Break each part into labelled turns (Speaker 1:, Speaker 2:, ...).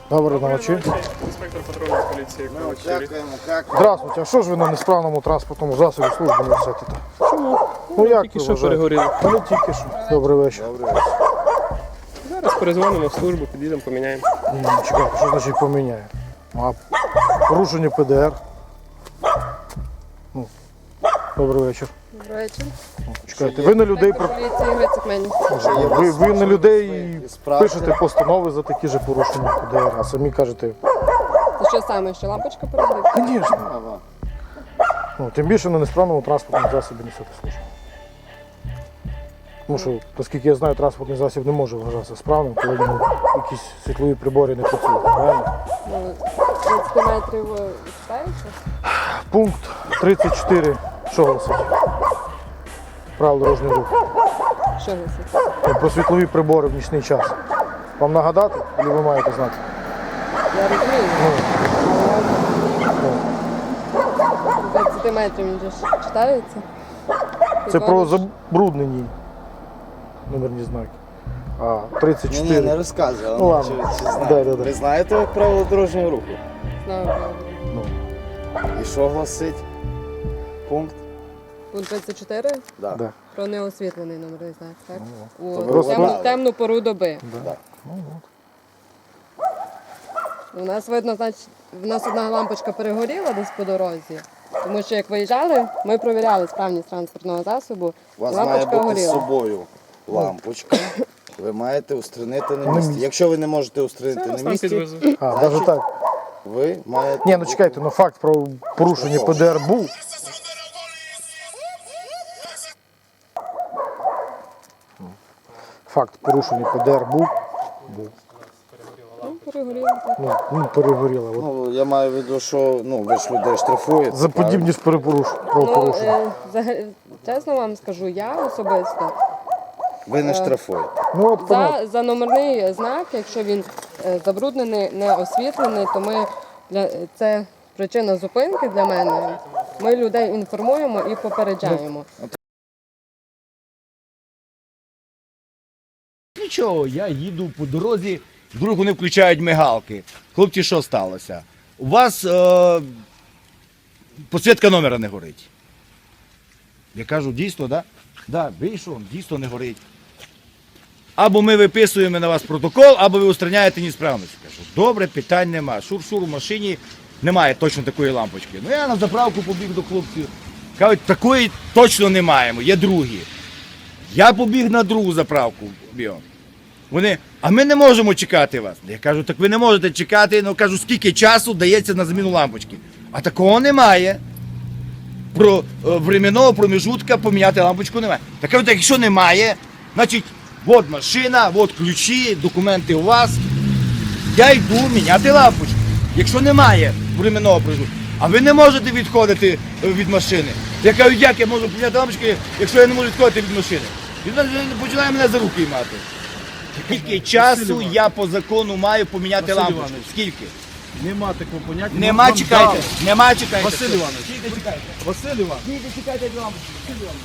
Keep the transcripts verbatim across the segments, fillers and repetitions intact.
Speaker 1: Доброї ночі.
Speaker 2: Інспектор патрульної поліції.
Speaker 3: Дякуємо, як?
Speaker 1: Здравствуйте, а що ж ви на несправному транспортному засобі служби несете?
Speaker 2: Чому?
Speaker 1: Ну як
Speaker 2: Тільки
Speaker 1: ви
Speaker 2: що
Speaker 1: вважаєте?
Speaker 2: перегоріли.
Speaker 1: Та не тільки що. Добрий вечір.
Speaker 2: Зараз перезвонимо в службу, підійдемо, поміняємо.
Speaker 1: Ні, ні, чекайте, що значить поміняє? А порушення Пе Де Ер. Ну, добрий вечір.
Speaker 4: Добрий вечір.
Speaker 1: Чекайте, ви на людей про...
Speaker 4: Поліції Грицик Мені.
Speaker 1: ви, ви на людей
Speaker 3: справді.
Speaker 1: пишете постанови за такі ж порушення Пе Де Ер, а самі кажете,
Speaker 4: Це що саме, що лампочка перегоріла?
Speaker 1: звісно. Ну, тим більше на несправному транспортному засобі несете службу. Тому що, оскільки я знаю, транспортний засіб не може вважатися справним, коли в ньому якісь світлові прибори не працюють. Правильно?
Speaker 4: Ну, тридцять метрів читається?
Speaker 1: Пункт тридцять чотири, що гласить? Правил дорожнього руху.
Speaker 4: Що висить?
Speaker 1: Ну, про світлові прибори в нічний час. Вам нагадати, чи ви маєте знати?
Speaker 4: Я розумію.
Speaker 1: Ну,
Speaker 4: тридцять метрів він же ж читається?
Speaker 1: це про
Speaker 4: Підводиш?
Speaker 1: забруднені номерні знаки. А тридцять
Speaker 3: Ні, ні,
Speaker 1: чотири.
Speaker 3: не розказуй, але
Speaker 1: Ну, ладно.
Speaker 3: чи, чи знаєте.
Speaker 1: Да, да, да.
Speaker 3: Ви знаєте правила дорожнього руху?
Speaker 4: Знаю, правда.
Speaker 1: Ну,
Speaker 3: І що гласить пункт?
Speaker 4: Пункт тридцять чотири
Speaker 3: Да.
Speaker 1: да.
Speaker 4: про неосвітлений номерний знак, так?
Speaker 3: То
Speaker 4: У
Speaker 3: ви
Speaker 4: темну,
Speaker 3: вгадали.
Speaker 4: темну пору доби.
Speaker 3: Да.
Speaker 4: У нас видно, значить, в нас одна лампочка перегоріла десь по дорозі. Тому що як виїжджали, ми провіряли справність транспортного засобу.
Speaker 3: У вас
Speaker 4: і
Speaker 3: має
Speaker 4: лампочка
Speaker 3: бути з
Speaker 4: горіла.
Speaker 3: собою лампочка. Ви маєте устранити на місці. Якщо ви не можете устранити
Speaker 2: Зараз
Speaker 3: на
Speaker 2: там
Speaker 3: місці,
Speaker 2: підвезу.
Speaker 1: А, навіть так.
Speaker 3: ви маєте...
Speaker 1: Ні, ну чекайте, ну факт про порушення Пе Де Ер був. Факт порушення Пе Де Ер був. Був.
Speaker 4: Ну, перегоріла, так.
Speaker 1: Ну, ну перегоріло. От.
Speaker 3: Ну, я маю в виду, що ну, ви ж людей штрафуєте.
Speaker 1: За
Speaker 3: правильно?
Speaker 1: подібні ж перепоруш...
Speaker 4: Ну,
Speaker 1: правопорушення.
Speaker 4: е, взагалі, чесно вам скажу, я особисто
Speaker 3: Ви не штрафуєте.
Speaker 1: Ну от понятно.
Speaker 4: за, за номерний знак, якщо він е, забруднений, не освітлений, то ми для це причина зупинки для мене. Ми людей інформуємо і попереджаємо.
Speaker 5: Нічого, я їду по дорозі, вдруг вони включають мигалки. Хлопці, що сталося? У вас е, посвідка номера не горить. Я кажу, дійсно, так? Да? Да, вийшов, дійсно не горить. Або ми виписуємо на вас протокол, або ви устраняєте несправність. Кажу, добре, питань нема. Шур-шур у машині немає точно такої лампочки. Ну я на заправку побіг до хлопців. Кажуть, такої точно не маємо, є другі. Я побіг на другу заправку. Бігом. Вони, а ми не можемо чекати вас. Я кажу, так ви не можете чекати. Ну кажу, скільки часу дається на заміну лампочки. А такого немає. Про е, временного проміжутка поміняти лампочку немає. Так кажу, так якщо немає, значить, от машина, от ключі, документи у вас. Я йду міняти лампочку. Якщо немає временного проміжутка. А ви не можете відходити е, від машини. Я кажу, як я можу поміняти лампочки, якщо я не можу відходити від машини? Він починає мене за руки мати. Скільки часу я по закону маю поміняти
Speaker 6: Василь
Speaker 5: лампочку?
Speaker 6: Іванович.
Speaker 5: Скільки?
Speaker 6: Нема такого поняття.
Speaker 5: Нема,
Speaker 6: Вам
Speaker 5: чекайте.
Speaker 6: дали.
Speaker 5: Нема, чекайте.
Speaker 6: Василь Іванович.
Speaker 5: Скільки чекайте?
Speaker 6: Василь Іванович.
Speaker 5: Скільки чекайте від лампочки? Василь Іванович.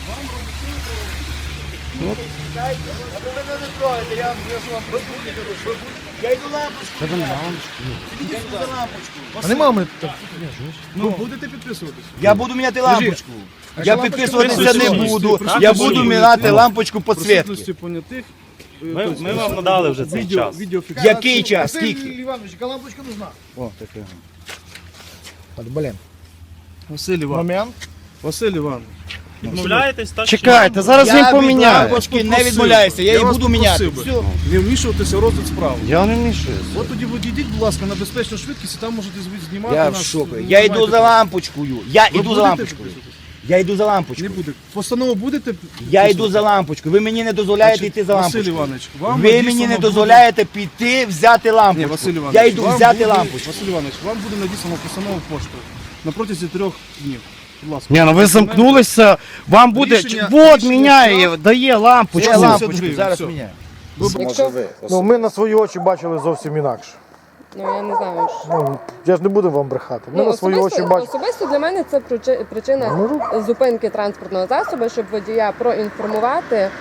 Speaker 5: Вам робити? Чекайте. А ви мене не трогаєте, я вам я ж вам розбудю. Я йду лампочку. Я йду за лампочку.
Speaker 1: А нема ми так.
Speaker 6: Ну, будете підписуватися?
Speaker 5: Я буду міняти лампочку. Я
Speaker 6: лампочка
Speaker 5: підписуватися не
Speaker 6: присутності,
Speaker 5: буду.
Speaker 6: присутності
Speaker 5: Я буду міняти лампочку підсвітки.
Speaker 6: Присутності понятих. е,
Speaker 7: Ми,
Speaker 6: тобто,
Speaker 7: ми вам надали вже цей
Speaker 6: відео,
Speaker 7: час.
Speaker 6: відеофіксацію.
Speaker 5: Який час? Скільки?
Speaker 1: Іванович, яка лампочка нужна?
Speaker 5: О, таке.
Speaker 1: Блін.
Speaker 6: Василь Іванович.
Speaker 1: Момент.
Speaker 6: Василь Іванович.
Speaker 7: Відмовляєтесь, так?
Speaker 8: Чекайте, зараз
Speaker 5: Я
Speaker 8: він
Speaker 5: від
Speaker 8: поміняє.
Speaker 5: лампочки не
Speaker 6: Попросив
Speaker 5: відмовляюся, я
Speaker 6: би.
Speaker 5: її
Speaker 6: вас
Speaker 5: буду міняти.
Speaker 6: попросив би
Speaker 5: Все.
Speaker 6: Не вмішуватися в розгляд справи.
Speaker 8: Я не мішаюся.
Speaker 6: От тоді відійдіть, будь ласка, на безпечну швидкість і там можете зв- знімати
Speaker 5: Я в
Speaker 6: нас.
Speaker 5: шоку.
Speaker 6: Ну,
Speaker 5: Я йду
Speaker 6: маєте
Speaker 5: за
Speaker 6: право.
Speaker 5: лампочкою. Я
Speaker 6: Ви
Speaker 5: йду за
Speaker 6: будете
Speaker 5: лампочкою.
Speaker 6: підписуватися?
Speaker 5: Я йду за
Speaker 6: Не
Speaker 5: лампочкою.
Speaker 6: буде. Постанову будете?
Speaker 5: Я
Speaker 6: підписувати?
Speaker 5: йду за лампочкою. Ви мені не дозволяєте
Speaker 6: Значить,
Speaker 5: йти за
Speaker 6: Василь
Speaker 5: лампочкою.
Speaker 6: Іванович, вам
Speaker 5: Ви
Speaker 6: надіслано
Speaker 5: мені не
Speaker 6: буде-
Speaker 5: дозволяєте піти взяти
Speaker 6: Ні,
Speaker 5: лампочку.
Speaker 6: Василь Іванович,
Speaker 5: Я йду
Speaker 6: вам
Speaker 5: взяти
Speaker 6: буде-
Speaker 5: лампочку.
Speaker 6: Василь Іванович, вам буде надіслано постанову поштою на протязі трьох днів. Будь ласка.
Speaker 8: Ні, ну ви замкнулися, вам буде.
Speaker 6: Рішення-
Speaker 8: Вот
Speaker 6: рішення
Speaker 8: міняє,
Speaker 6: штраф.
Speaker 8: дає лампочку.
Speaker 5: Я
Speaker 6: сімдесят
Speaker 5: лампочку
Speaker 6: гривень,
Speaker 5: зараз
Speaker 6: все.
Speaker 5: міняю.
Speaker 3: Може
Speaker 4: Якщо-
Speaker 3: ви.
Speaker 1: Ну, ми на свої очі бачили зовсім інакше.
Speaker 4: Ну я не знаю. що-
Speaker 1: Ну, я ж не буду вам брехати. Ми
Speaker 4: Ну,
Speaker 1: на свої очі
Speaker 4: особисто,
Speaker 1: бачили.
Speaker 4: особисто для мене це причи- причина
Speaker 1: Ну,
Speaker 4: зупинки транспортного засобу, щоб водія проінформувати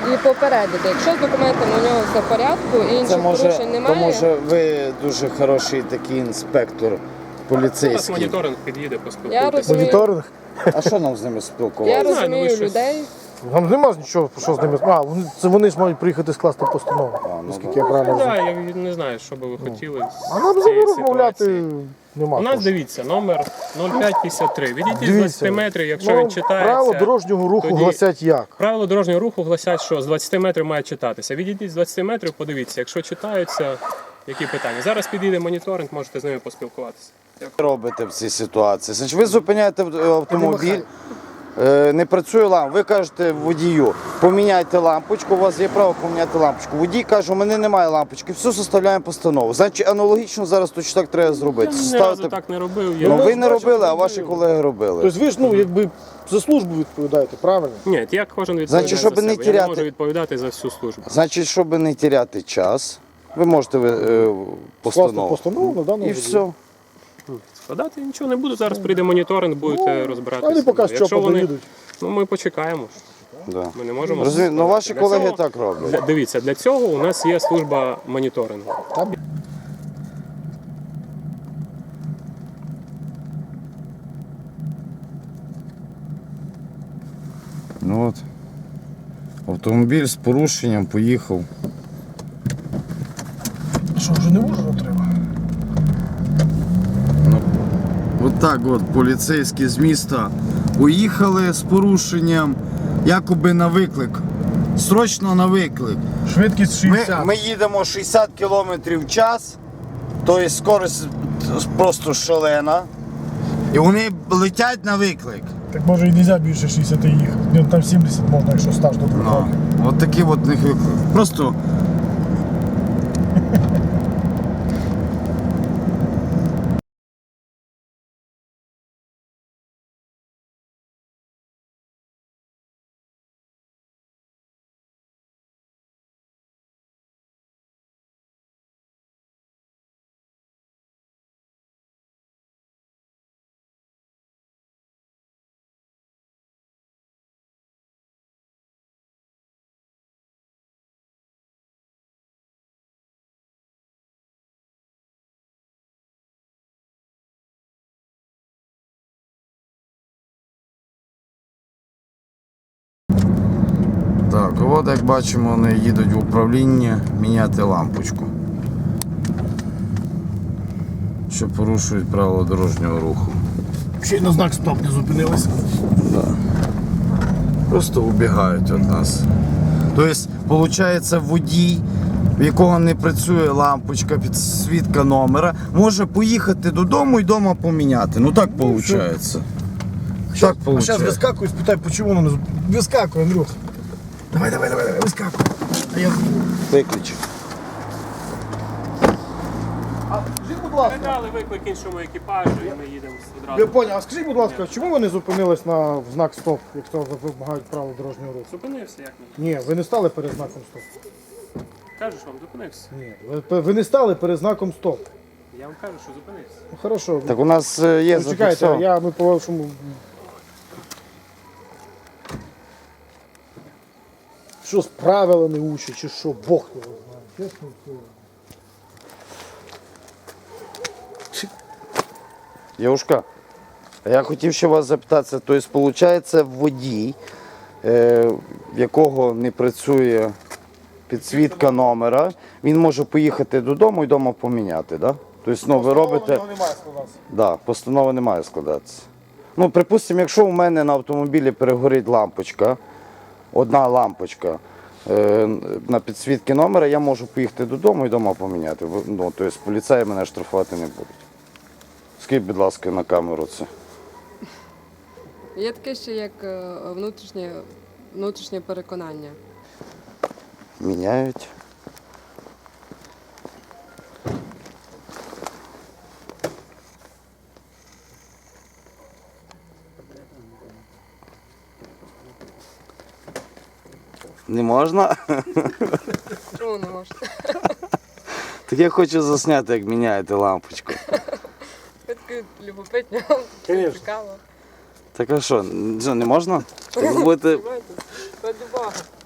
Speaker 4: і попередити. Якщо з документами у нього все в порядку і
Speaker 3: Це
Speaker 4: інших
Speaker 3: може,
Speaker 4: порушень
Speaker 3: то
Speaker 4: немає,
Speaker 3: може ви дуже хороший такий інспектор
Speaker 2: Зараз
Speaker 3: поліцейський.
Speaker 2: моніторинг під'їде,
Speaker 4: Я
Speaker 2: поспілкуйтеся.
Speaker 4: розумію.
Speaker 1: Моніторинг.
Speaker 3: А що нам з ними
Speaker 4: я
Speaker 3: спілкуватися?
Speaker 2: знаю, ну,
Speaker 4: розумію
Speaker 2: ви щось-
Speaker 4: людей.
Speaker 1: Нам нема нічого, що з ними. А, вони, це вони ж мають приїхати скласти постанову.
Speaker 3: ну,
Speaker 1: Наскільки я правильно
Speaker 2: Ну,
Speaker 1: знаю.
Speaker 2: да, я не знаю, що би ви хотіли.
Speaker 1: А
Speaker 2: з
Speaker 1: нам з
Speaker 2: цієї
Speaker 1: ними розмовляти
Speaker 2: ситуації.
Speaker 1: нема.
Speaker 2: У нас,
Speaker 1: того.
Speaker 2: дивіться, номер нуль п'ять п'ятдесят три. Відійдіть з
Speaker 1: Дивіться,
Speaker 2: двадцяти метрів, якщо
Speaker 1: ну,
Speaker 2: він читається.
Speaker 1: правила дорожнього руху
Speaker 2: тоді-
Speaker 1: гласять як?
Speaker 2: Правила дорожнього руху гласять, що з двадцяти метрів має читатися. Відійдіть з двадцяти метрів, подивіться, якщо читаються, які питання. Зараз підійде моніторинг, можете з ними поспілкуватися.
Speaker 3: Що робите в цій ситуації? Значить, ви зупиняєте автомобіль, е, не працює лампа. Ви кажете водію, поміняйте лампочку, у вас є право поміняти лампочку. Водій каже, у мене немає лампочки, все, составляємо постанову. Значить, аналогічно зараз точно так треба зробити.
Speaker 2: Я ні
Speaker 3: Составити-
Speaker 2: разу так не робив. Я...
Speaker 3: Ну ви
Speaker 1: ж
Speaker 3: не
Speaker 1: бачите,
Speaker 3: робили, а
Speaker 1: ви-
Speaker 3: ваші колеги робили.
Speaker 1: Тобто ви ж ну, якби за службу відповідаєте, правильно?
Speaker 2: Ні, я кожен відповідає
Speaker 3: Значить,
Speaker 2: за
Speaker 3: щоб не
Speaker 2: себе. Я не
Speaker 3: теряти-
Speaker 2: можу відповідати за всю службу.
Speaker 3: Значить, щоб не тіряти час, ви можете е,
Speaker 1: Скласти
Speaker 3: постанову.
Speaker 1: постанову на даному
Speaker 3: І все.
Speaker 2: Складати нічого не буду. Зараз прийде моніторинг, будете розбиратися.
Speaker 1: Вони поки що
Speaker 2: Якщо вони,
Speaker 1: поїдуть.
Speaker 2: ну ми почекаємо.
Speaker 3: Да.
Speaker 2: Ми не можемо.
Speaker 3: Розумію, ну ваші
Speaker 2: Для
Speaker 3: колеги
Speaker 2: цього-
Speaker 3: так роблять.
Speaker 2: Для- Дивіться, для цього у нас є служба моніторингу.
Speaker 3: Ну от. Автомобіль з порушенням поїхав.
Speaker 1: Що, вже не можна треба?
Speaker 3: От так от поліцейські з міста поїхали з порушенням, якоби на виклик. Срочно на виклик.
Speaker 1: Швидкість
Speaker 3: Ми,
Speaker 1: шістдесят.
Speaker 3: ми їдемо шістдесят кілометрів в час, тобто скорость просто шалена. І вони летять на виклик.
Speaker 1: Так може і не можна більше шістдесят їхати. Ну, там сімдесят можна, якщо стаж до двох
Speaker 3: Ну,
Speaker 1: років.
Speaker 3: от такий от них виклик. Просто. Так, от як бачимо, вони їдуть в управління міняти лампочку. Що порушують правила дорожнього руху.
Speaker 1: Ще й на знак стоп не зупинилися.
Speaker 3: Просто убігають від нас. Тобто, виходить, водій, в якого не працює лампочка, підсвітка номера, може поїхати додому і вдома поміняти. Ну так виходить. Так
Speaker 1: А зараз
Speaker 3: виходить.
Speaker 1: вискакуй, спитай, чому воно не зупинилося. Вискакуй, Андрюх. Давай, давай, давай, давай, вискакуй. А я...
Speaker 3: Виключи.
Speaker 1: Скажіть, будь ласка,
Speaker 2: Передали виклик іншому екіпажу і ми їдемо
Speaker 1: ви
Speaker 2: одразу.
Speaker 1: поняли, а скажіть, будь ласка, чому ви не зупинились на в знак стоп, якщо вимагають правила дорожнього руху?
Speaker 2: Зупинився як ні.
Speaker 1: Ні, ви не стали перед знаком стоп.
Speaker 2: Кажу, що вам зупинився.
Speaker 1: Ні, ви, ви не стали перед знаком стоп.
Speaker 2: Я вам кажу, що зупинився.
Speaker 1: Ну, хорошо.
Speaker 3: Так у нас е, є
Speaker 1: Ну, чекайте,
Speaker 3: зафіксовано.
Speaker 1: я ми по вашому. Що з правилами учать, чи що, Бог його знає. Чесно слово.
Speaker 3: Євушка, а я хотів ще вас запитатися, тобто, виходить, водій, е, в якого не працює підсвітка номера, він може поїхати додому і вдома поміняти, да? Тобто, ну, ви робите...
Speaker 1: Постанова немає складатися.
Speaker 3: Да, постанова не має складатися. Ну, припустимо, якщо у мене на автомобілі перегорить лампочка, одна лампочка е, на підсвітки номера, я можу поїхати додому і вдома поміняти. Ну, тобто, поліцаї мене штрафувати не будуть. Скажіть, будь ласка, на камеру це.
Speaker 4: Є таке ще як е, внутрішнє, внутрішнє переконання.
Speaker 3: Міняють. Не можна?
Speaker 4: Чому не можна?
Speaker 3: Так я хочу засняти, як міняєте лампочку.
Speaker 4: Ви такі любопитні,
Speaker 1: Конечно.
Speaker 4: цікаво.
Speaker 3: Так а що, що, не можна? Так ви будете...
Speaker 4: Знаєте, раді Бога.